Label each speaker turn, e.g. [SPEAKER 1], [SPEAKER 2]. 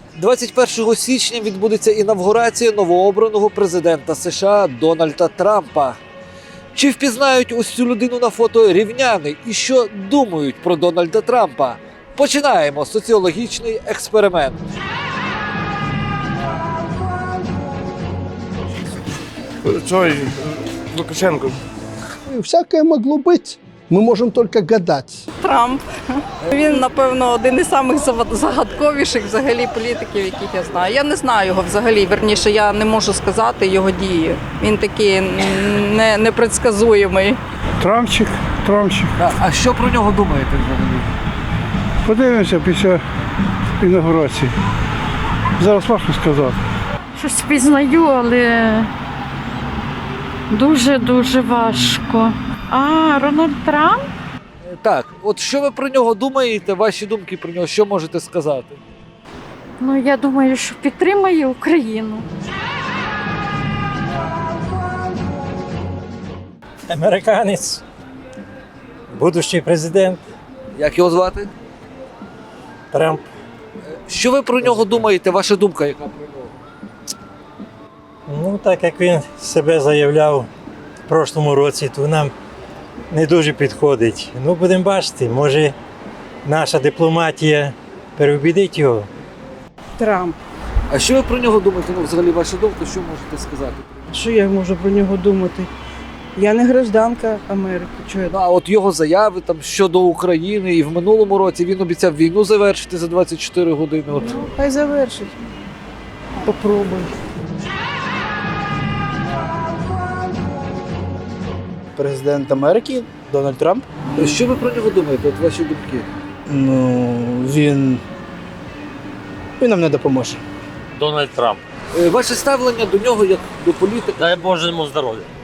[SPEAKER 1] 21 січня відбудеться інавгурація новообраного президента США Дональда Трампа. Чи впізнають ось цю людину на фото рівняни і що думають про Дональда Трампа? Починаємо соціологічний експеримент.
[SPEAKER 2] Цой Лукашенко.
[SPEAKER 3] Всякое могло быть. Мы можем только гадать.
[SPEAKER 4] Трамп. Він, напевно, один із самих загадковіших взагалі політиків, яких я знаю. Я не знаю його взагалі, верніше, я не можу сказати його дії. Він такий непредсказуємий.
[SPEAKER 2] Трампчик.
[SPEAKER 1] А що про нього думаєте взагалі?
[SPEAKER 2] Подивимося після інаугурації. Зараз важко сказати.
[SPEAKER 5] Щось впізнаю, але дуже важко. Рональд Трамп?
[SPEAKER 1] Так, от що ви про нього думаєте, ваші думки про нього, що можете сказати?
[SPEAKER 5] Ну, я думаю, що підтримає Україну.
[SPEAKER 6] Американець, будущий президент
[SPEAKER 1] Як його звати?
[SPEAKER 6] Трамп.
[SPEAKER 1] Що ви про нього думаєте, ваша думка яка про нього?
[SPEAKER 6] Ну, так як він себе заявляв в прошлому році, то нам не дуже підходить. Ну, будемо бачити, може наша дипломатія переубідить його.
[SPEAKER 4] Трамп.
[SPEAKER 1] А що ви про нього думаєте? Ну, взагалі, ваша думка, що можете сказати?
[SPEAKER 7] Що я можу про нього думати? Я не гражданка Америки. Чого я?
[SPEAKER 1] Ну, а от його заяви там щодо України і в минулому році він обіцяв війну завершити за 24 години. От.
[SPEAKER 7] Хай завершить. Попробуй.
[SPEAKER 8] Президент Америки Дональд Трамп.
[SPEAKER 1] Що ви про нього думаєте? От ваші думки?
[SPEAKER 8] Ну, він нам не допоможе.
[SPEAKER 9] Дональд Трамп.
[SPEAKER 1] Ваше ставлення до нього як до політика?
[SPEAKER 9] Дай Боже йому здоров'я.